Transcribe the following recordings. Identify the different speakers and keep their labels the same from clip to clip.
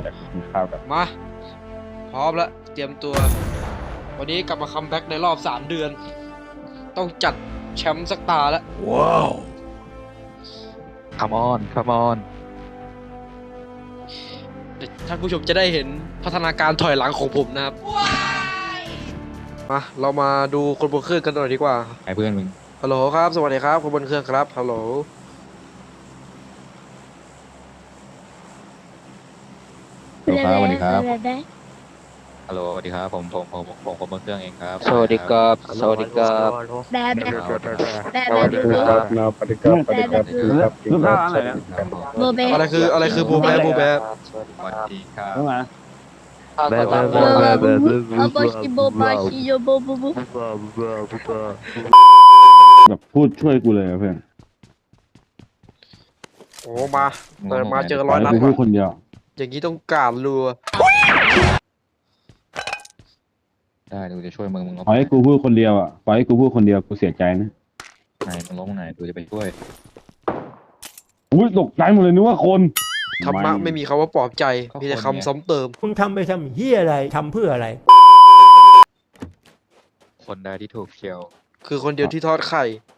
Speaker 1: แต่กินข้าวกับ
Speaker 2: มาพร้อมแล้วเตรียมตัววันนี้กลับมาคัมแบ็กในรอบ3 เดือนต้องจัดแชมป์สักตาแล้ว
Speaker 3: ว้าว
Speaker 4: คัมออน
Speaker 2: ท่านผู้ชมจะได้เห็นพัฒนาการถอยหลังของผมนะครับมาเรามาดูคนบนเครื่องกันหน่อยดีกว่า
Speaker 4: ไอ้เพื่อนมึง
Speaker 2: ฮัลโหลครับสวัสดีครับคนบนเครื่องครับฮัลโหล
Speaker 4: สวัสดีครับฮัลโหลสวัสดีครับผมคนบนเครื่องเองครับ
Speaker 2: สวัสดีครับ
Speaker 4: สวัสดีครับ
Speaker 1: สวัสดีครับนาปฏิกับปฏิกับครับกินข้าวอะไรนะ
Speaker 5: โบเบ
Speaker 2: อะไรคือบูแบบูแบ
Speaker 4: สวัสดีครับ
Speaker 1: เข้ามา
Speaker 5: โบชิโบบาชิโยโบบูบู
Speaker 1: แบบพูดช่วยกูเลยเพื่อน
Speaker 2: โอ้มาเปิดมาเจอร้อยนัด
Speaker 1: กูพูด
Speaker 2: ว่ะ
Speaker 1: คนเดียว
Speaker 2: อย่างนี้ต้องการรัว
Speaker 4: ได้ดูจะช่วยมึง
Speaker 1: ปล่อยให้กูพูดคนเดียวอ่ะปล่อยให้กูพูดคนเดียวกูเสียใจนะ
Speaker 4: ไหนมึงล้มไหนดูจะไปช่วย
Speaker 1: อุ้ยตกใจหมดเลยนึกว่าคน
Speaker 2: ธรรมะไม่มีคำว่าปลอบใจมีแต่คำซ้ำเติม
Speaker 3: มึงทำไปทำเฮียอะไรทำเพื่ออะไร
Speaker 4: คนได้ที่ถูกเชียว
Speaker 2: คือคนเดียวที่ทอดไข่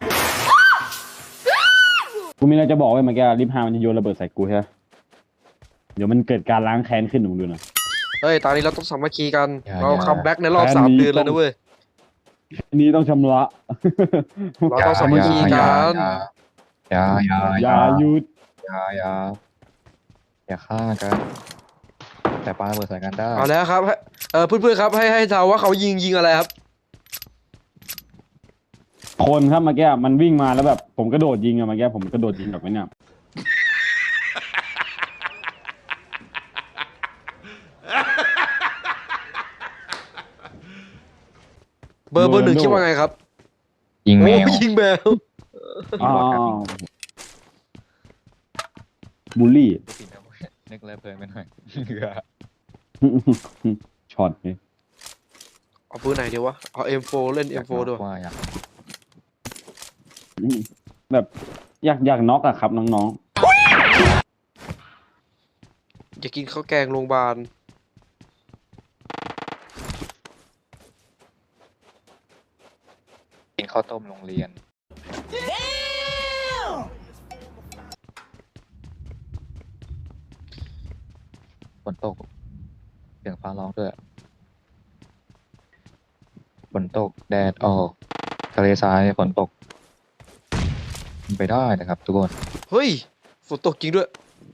Speaker 1: กูมีอะไรจะบอกไว้เมื่อกี้ลิฟต์ฮามันจะโยนระเบิดใส่กูใช่ไหมเดี๋ยวมันเกิดการล้างแค้นขึ้นมึงดูนะ
Speaker 2: เฮ้ยตอนนี้เราต้องสามัคคีกันเราคัมแบ็กในรอบ3 เดือนแล้วนะเว้ย
Speaker 1: อันนี้ต้องชำระ
Speaker 2: เราต้องสามัคคีกัน
Speaker 1: อย่าหยุด
Speaker 4: อย่าฆ่ากันแต่ปาระเบิดใส่กันได้
Speaker 2: เอาแล้วครับเพื่อนๆครับให้เดาว่าเขายิงอะไรครับ
Speaker 1: คนครับเมื่อกี้มันวิ่งมาแล้วแบบผมกระโดดยิงอะเมื่อกี้ผมกระโดดยิงแบบไม่เนี่ย
Speaker 2: เบอร์ 1คิดว่าไงครับ
Speaker 4: ยิงแมว
Speaker 2: โอ้ยิงแมว
Speaker 1: อ้าวบูลลี่
Speaker 4: นึกเลยเพลินไปหน่อย
Speaker 1: ช็อตนี่
Speaker 2: เอาปืนไหนดีวะเอา M4 เล่น M4 ด้วย
Speaker 4: ว่าอยาก
Speaker 1: แบบอยากน็อกอะครับน้อง
Speaker 2: อย่ากินข้าวแกงโรงพยาบาล
Speaker 4: กินข้าวต้มโรงเรียนฝนตกเสียงฟ้าร้องด้วยฝนตกแดดออกทะเลทรายฝนตกเป็นไปได้นะครับทุกคน
Speaker 2: เฮ้ยฝนตกจริงด้วย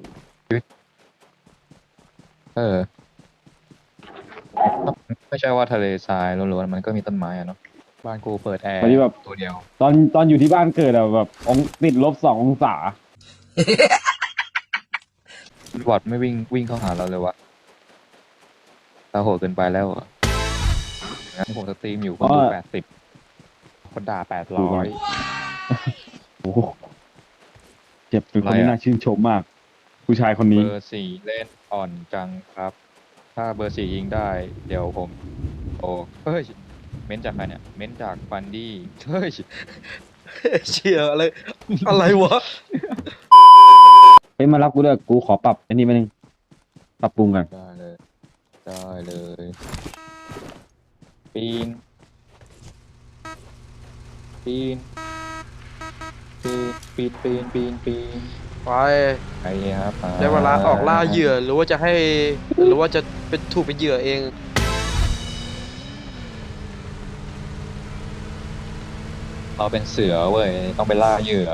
Speaker 4: ไม่ใช่ว่าทะเลทรายล้วนๆมันก็มีต้นไม้อะเนาะบ้านกูเปิดแอร์
Speaker 1: ๆตอนนี้แบบ
Speaker 4: ตัวเดียว
Speaker 1: ตอนอยู่ที่บ้านเกิดอะแบบติด-2 องศา
Speaker 4: บอทไม่วิ่งเข้าหาเราเลยวะเราโหดเกินไปแล้วอะงั้นผมสตรีมอยู่คนดู80คนด่า800
Speaker 1: โอ้โหเจ็บเป็นคนที่น่าชื่นชมมาก ผู้ชายคนนี้
Speaker 4: เบอร์4เล่นอ่อนจังครับ ถ้าเบอร์4ยิงได้ เดี๋ยวผมโอ้เฮ้ยเม้นจากใครเนี่ยเม้นจากฟันดี้เฮ้ย
Speaker 2: เชี่ยอะไรวะ
Speaker 1: เฮ้ยมารับกูด้วยกูขอปรับอันนี้มานึงปรับปรุงกัน
Speaker 4: ได้เลยปีน
Speaker 2: ไป
Speaker 4: ไปครับ
Speaker 2: ได้เวลาออกล่าเหยื่อหรือว่าจะเป็นถูกเป็นเหยื่อเอง
Speaker 4: เราเป็นเสือเว้ยต้องไปล่าเหยื่อ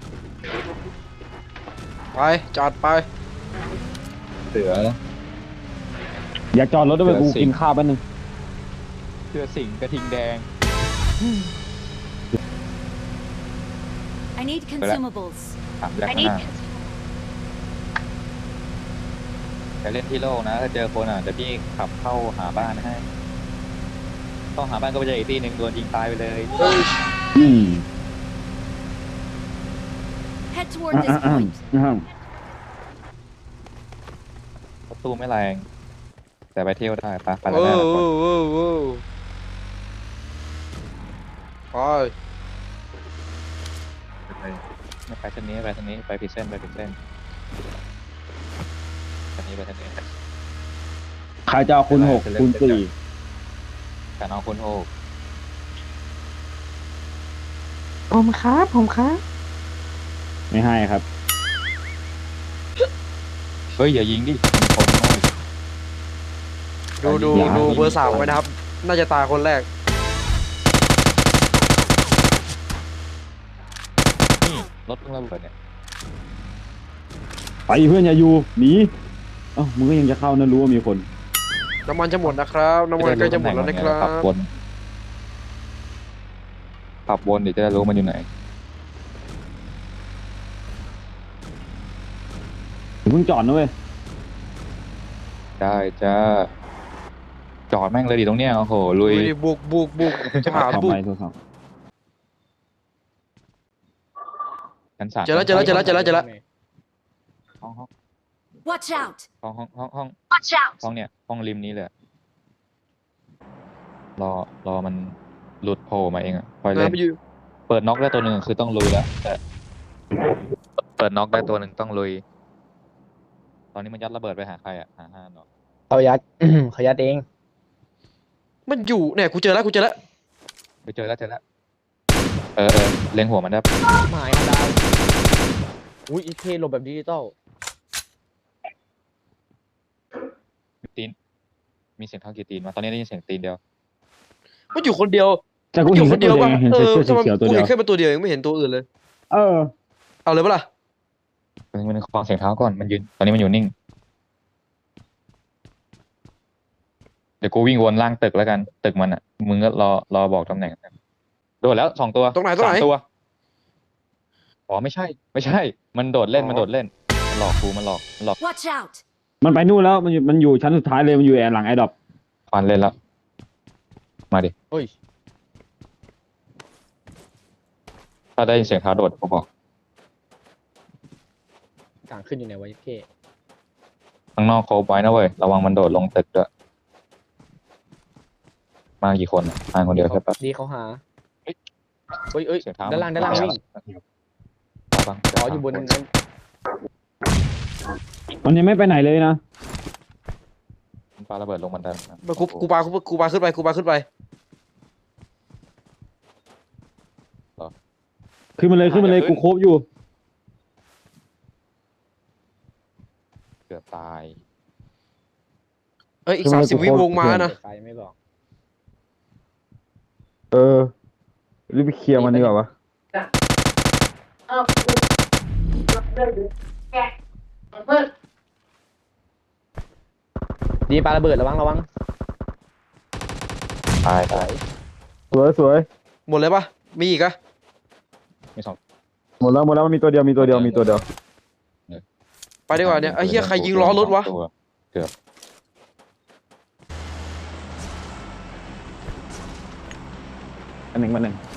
Speaker 2: ไปจัดไป
Speaker 4: เสือ
Speaker 1: อย่าจอดรถด้วยกูกินข้าวแป๊บนึง
Speaker 4: สิงกระทิงแดง
Speaker 6: I need consumables.
Speaker 4: ถามแรกหน้าแต่เล่นที่โลกนะถ้าเจอคนเดี๋ยวพี่ขับเข้าหาบ้านให้ต้องหาบ้านก็ไปเจออีกที่หนึ่งโดนยิงตายไปเลย
Speaker 1: อืม
Speaker 6: Head toward this point.
Speaker 4: ประตูไม่แรง แต่ไปเที่ยวได้ไปแล้ว
Speaker 2: โอ้
Speaker 4: นะ
Speaker 2: โหไป
Speaker 4: ไปเส้นนี้ไปผิดเส้นไปเส้นนี้
Speaker 1: ใครจะเอาคูณ6คูณ4
Speaker 4: แต่น้องคนโหก
Speaker 7: ผมครับผมครับ
Speaker 1: ไม่ให้ครับ
Speaker 4: เฮ้ยอย่ายิงดิมีคนน้อย
Speaker 2: ดู
Speaker 1: อย่า
Speaker 2: ดูเบอร์สามไว้นะครับ น่าจะตายคนแรก
Speaker 4: นี่รถเพิ่งระเบิดเนี่ย
Speaker 1: ไปเพื่อนอย่าอยู่หนีเอ้ามึงก็ยังจะเข้านะรู้ว่ามีคน
Speaker 2: น้ำมันจะหมดนะครับน้ำมันใกล้จะหมดแล้วนะครั
Speaker 4: ขับบ วนขับวนเดี๋ยวจะได้รู้มันอยู่ไหน
Speaker 1: เพิ่งจอดนะเว้ย
Speaker 4: ได้จ้าจอดแม่งเลยดิตรงเนี้ยโอ้โหลุย
Speaker 2: ดูดิบุกจะหา
Speaker 1: เข้า
Speaker 2: บุก
Speaker 1: ไปโทรศัพท์
Speaker 4: ชั้นสาม
Speaker 2: เจอแล้ว
Speaker 4: ห้องห้อง
Speaker 6: Watch out!
Speaker 4: ห้องเนี่ยห้องริมนี้เลยรอมันหลุดโผล่มาเองอ่ะคอยเล่น
Speaker 2: ไปอยู่
Speaker 4: เปิดน็อกได้ตัวหนึ่งคือต้องลุยแล้วแต่เปิดน็อกได้ตัวหนึ่งต้องลุย ตอนนี้มันยัดระเบิดไปหาใครอ่ะหาห้าเนาะ
Speaker 7: เขายัด เขายัดเอง
Speaker 2: มันอยู่เนี่ยกูเจอแล้ว
Speaker 4: ไปเจอแล้วเล็งหัวมันได้
Speaker 7: หมายดาวอุ้ยอีเคหลบแบบดิจิตอล
Speaker 4: ตีนมีเสียงเท้ากี่ตีนมาตอนนี้ได้ยินเสียงตีนเดียว
Speaker 2: มันอยู่คนเดียว
Speaker 1: แต่กู
Speaker 2: มันอ
Speaker 1: เห็น
Speaker 2: ยู่ค
Speaker 1: แค่
Speaker 2: น
Speaker 1: ตั
Speaker 2: เดี
Speaker 1: ว
Speaker 2: ยว
Speaker 1: เดียว
Speaker 2: ป่ะ
Speaker 1: เห็น
Speaker 2: เอ
Speaker 1: เสื้
Speaker 2: อ
Speaker 1: อเขียวตัว
Speaker 2: กู
Speaker 1: เดีย
Speaker 2: เห็
Speaker 1: วน
Speaker 2: แค่เป็นตัวเดียวยังไม่เห็นตัวอื่นเลย
Speaker 1: เออ
Speaker 2: เอาเลยปะล่ะ
Speaker 4: มันฟังเสียงเท้าก่อนมันยืนตอนนี้มันอยู่นิ่งเดี๋ยวกูวิ่งวนล่างตึกแล้วกันตึกมันอ่ะมึงก็รอบอกตำแหน่งโดดแล้ว2 ตัว
Speaker 2: ตรงไหน
Speaker 4: 3 ตัวอ๋อไม่ใช่ มันโดดเล่นมันหลอกกูมันหลอก
Speaker 6: Watch out!
Speaker 1: มันไปนู่นแล้วมันอยู่ชั้นสุดท้ายเลยมันอยู่หลังไอ้ดอก
Speaker 4: ฟันเล่นแล้วมาดิ
Speaker 7: โอ้ย
Speaker 4: ถ้าได้ยินเสียงเท้าโดดกูบอก
Speaker 7: กลางขึ้นอยู่ไหนวะอีเค
Speaker 4: ข้างนอกโคบไว้นะเว้ยระวังมันโดดลงตึกด้วยมากี่คนอ่ะมาคนเดียวใช่ปะ
Speaker 7: ดีเขาหาเอ้ย
Speaker 4: เสียงเท้า
Speaker 7: ด้านล่างวิ่ง
Speaker 4: ฟัง
Speaker 7: อ๋ออยู่บนนั้น
Speaker 1: มันยังไม่ไปไหนเลยนะ
Speaker 4: มันปาระเบิดลงบันไดนะ
Speaker 2: กูปาขึ้นไป
Speaker 1: ขึ้นมาเลยกูโคบอยู่
Speaker 4: เกือบตาย
Speaker 2: เอ้ยอีก30 วิวงมานะ
Speaker 7: ไฟไม่บอก
Speaker 1: เออรีบไปเคลียร์มันดีกว่าวะ
Speaker 7: ดีปาระเบิดระวัง
Speaker 4: ตาย
Speaker 1: สวย
Speaker 2: หมดเลยปะมีอีกอะ
Speaker 4: มี2
Speaker 1: หมดแล้วมันมีตัวเดียว
Speaker 2: ไปดีกว่าเนี่ยไอ้เหี้ยใครยิงล้อรถวะ
Speaker 4: เกือบ
Speaker 1: อันหนึ่ง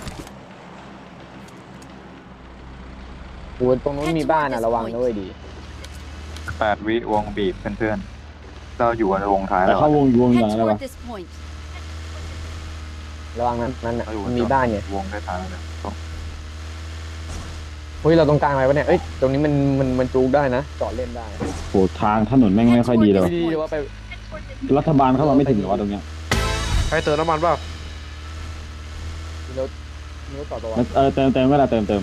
Speaker 7: โอ้ยตรงนู้นมีบ้านอ่ะระวังด้วยดี
Speaker 4: 8 วิวงบีบเพื่อนๆเราอยู่ในวงท้าย
Speaker 1: แต่
Speaker 4: แล้ว
Speaker 1: เข้าวงก่อน
Speaker 6: Head
Speaker 1: แล้ว
Speaker 6: toward
Speaker 1: วะ
Speaker 6: this point.
Speaker 7: ระวังนั้นอ่ะมันมีบ้านไง
Speaker 4: วงได้ท้ายแล้ว
Speaker 7: เฮ้ยเราตรงกลางอะไรวะเนี่ยเอ้ยตรงนี้มันจูกได้นะจอดเล่นได้
Speaker 1: โหทางถนนแม่งไม่ค่อยดีเลยวะ
Speaker 7: ดีว่าไป
Speaker 1: รัฐบาลเข้ามาไม่ถึงหรอวะตรงเนี้ย
Speaker 2: ใครเติมน้ำมันเปล่า
Speaker 7: รถต่อตัว
Speaker 1: เติมก็ได้เติม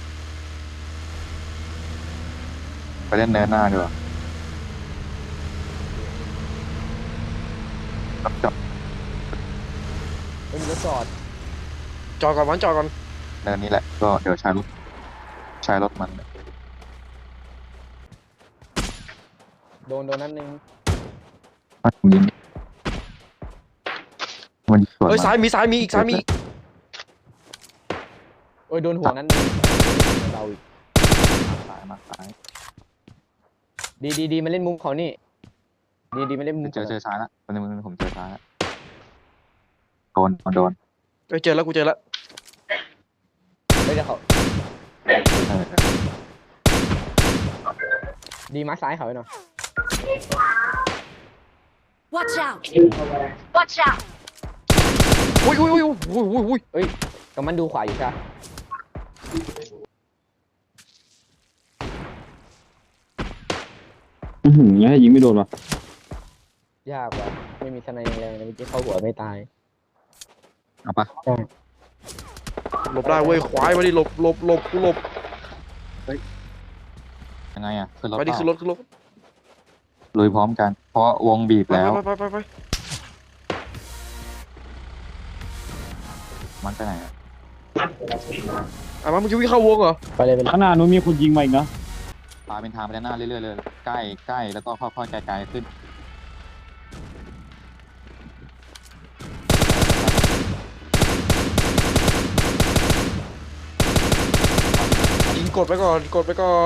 Speaker 4: ไปเล่นเนินหน้าดีกว่าจับ
Speaker 7: เฮ้ยมีรถจอด
Speaker 2: จอดก่อน
Speaker 4: เนินนี้แหละก็เดี๋ยวใช้รถมัน
Speaker 7: โดนนัดนึง
Speaker 4: ยิงมันสวน
Speaker 2: เอ้ยซ้ายมีอีก
Speaker 7: โอ้ยโดนหัวนั้นนึงเราอีก
Speaker 4: มาซ้าย
Speaker 7: ดีมันเล่นมุมเขานี่ดีมันเล่นมุม
Speaker 4: เจอซ้ายละวันนี้ผมเจอซ้ายละโดน
Speaker 2: เอ้ยเจอแล้วกูเจอแล้ว
Speaker 7: เฮ้ยเดี๋ยวเขาดีมาร์คซ้ายเขาไว้หน่อย
Speaker 6: Watch out!
Speaker 2: อุ้ย
Speaker 7: เฮ้ยกำมันดูขวาอยู่ใช่ไหม
Speaker 1: งั้นให้ยิงไม่โดนวะ
Speaker 7: ยากว่ะไม่มีสไนแรงๆเลยเมื่อกี้เข้าหัวไม่ตาย
Speaker 4: เอาปะ
Speaker 2: หลบได้เว้ยควายมาดิหลบหลบหลบกูหลบ
Speaker 4: ยังไงอ่ะขึ้นรถ
Speaker 2: ไปดิ
Speaker 4: เปล่า
Speaker 2: ขึ้นรถขึ้นรถ
Speaker 4: ลุยพร้อมกัน เพราะวงบีบ
Speaker 2: ไป
Speaker 4: แล้ว
Speaker 2: ไป
Speaker 4: มันไปไหนอะ
Speaker 2: อ่ะมามึงจะวิ่งเข้าวงเหรอ
Speaker 7: ไปเลยไปเลย
Speaker 1: ข้างหน้านู้นมีคนยิงมาอีกนะ
Speaker 4: ปาเป็นทางไปด้านหน้าเรื่อยๆเลยใกล้ใกล้แล้วก็ค่อยๆไกลๆขึ้น
Speaker 2: ยิงกดไปก่อนกดไปก่อน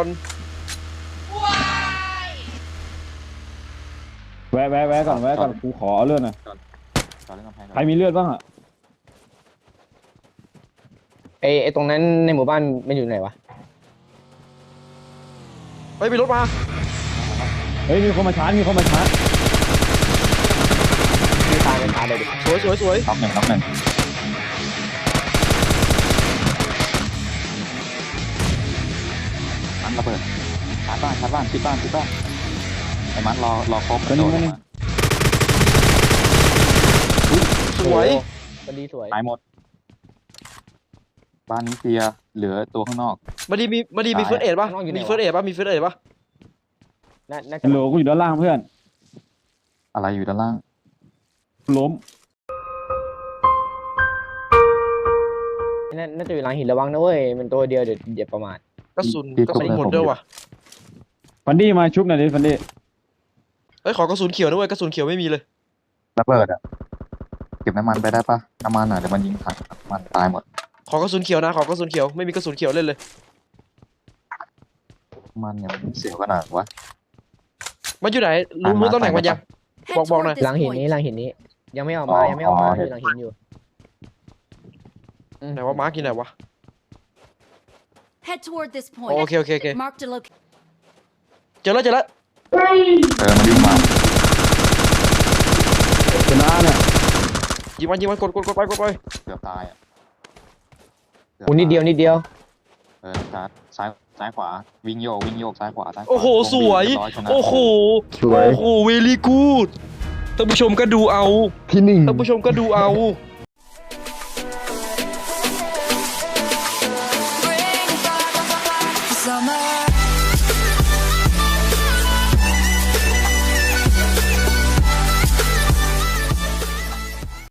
Speaker 1: แวะก่อนกูขอเอาเลือดหน่อย
Speaker 4: จอดเล่นกำแพงก่อน
Speaker 1: ใครมีเลือดบ้างอ่ะ
Speaker 7: ไอ้ตรงนั้นในหมู่บ้านมันอยู่ไหนวะ
Speaker 2: ไปมีรถมา
Speaker 1: เฮ้ยมีคนมาชาร์จ
Speaker 7: มีตายกันตายเลยดิ
Speaker 2: สวยสวยสวย
Speaker 4: น็อกหนึ่งมันระเบิดชาร์จบ้านชิดบ้านไอ้มันรอครบกระโดดออกมา
Speaker 2: สวย
Speaker 7: โอ้พอดีสวย
Speaker 4: ตายหมด บ้านนี้เคลียร์เหลือตัวข้างนอก
Speaker 2: มาดีมีเฟิร์สเอ็ดป่ะมีเฟิร์สเอ็ดป่ะมีเฟิร์สเอ็ดป่ะ
Speaker 7: น่าจะ
Speaker 1: ฮัลโหลกูอยู่ด้านล่างเพื่อน
Speaker 4: อะไรอยู่ด้านล่าง
Speaker 1: ล้ม
Speaker 7: น่าจะอยู่หลังหินระวังนะเว้ยมันตัวเดียวเดี๋ยวประมาท
Speaker 2: กระสุนหมดด้วยว่ะ
Speaker 1: ฟันดี้มาชุบหน่อยดิฟันดี้
Speaker 2: เฮ้ยขอกระสุนเขียวด้วยกระสุนเขียวไม่มีเลย
Speaker 4: ระเบิดอ่ะเก็บน้ำมันไปได้ปะน้ำมันอ่ะเดี๋ยวมันยิงถังน้ำมันตายหมด
Speaker 2: ขอกระสุนเขียวนะขอกระสุนเขียวไม่มีกระสุนเขียวเล่นเลย
Speaker 4: น้ำมันเนี่ยมันเสียวขนาดวะ
Speaker 2: มันอยู่ไหนรู้ตำแหน่งมันยัง
Speaker 6: Head
Speaker 2: Bong
Speaker 6: toward
Speaker 2: này.
Speaker 6: this
Speaker 7: หลังหิน
Speaker 6: point.
Speaker 7: นี้หลังหินนี้ ยังไม่ออกมาอยู่หลังหินอยู่
Speaker 2: ไหนว่ามาร์กอยู่ไหนวะ
Speaker 6: Head toward this
Speaker 2: โอ
Speaker 6: point.
Speaker 2: เคโอเค
Speaker 6: Marked a location.
Speaker 2: เจอแล้ว
Speaker 4: มันวิ่งมา
Speaker 1: ชนะเนี่ย
Speaker 2: ยิงมันกดไป
Speaker 4: เกือบตายอ่ะ
Speaker 7: กูนิดเดียว
Speaker 4: ชาร์จซ้ายขวาวิ่งโยกซ้ายขวา
Speaker 2: โอ้โหสวย
Speaker 4: เรีบร้อชนะ
Speaker 2: โอ้โหโอ้โหเวลี่กูดท่านผู้ชมก็ดูเอา
Speaker 3: ที่หนึ่ง
Speaker 2: ท่านผู้ชมก็ดูเอา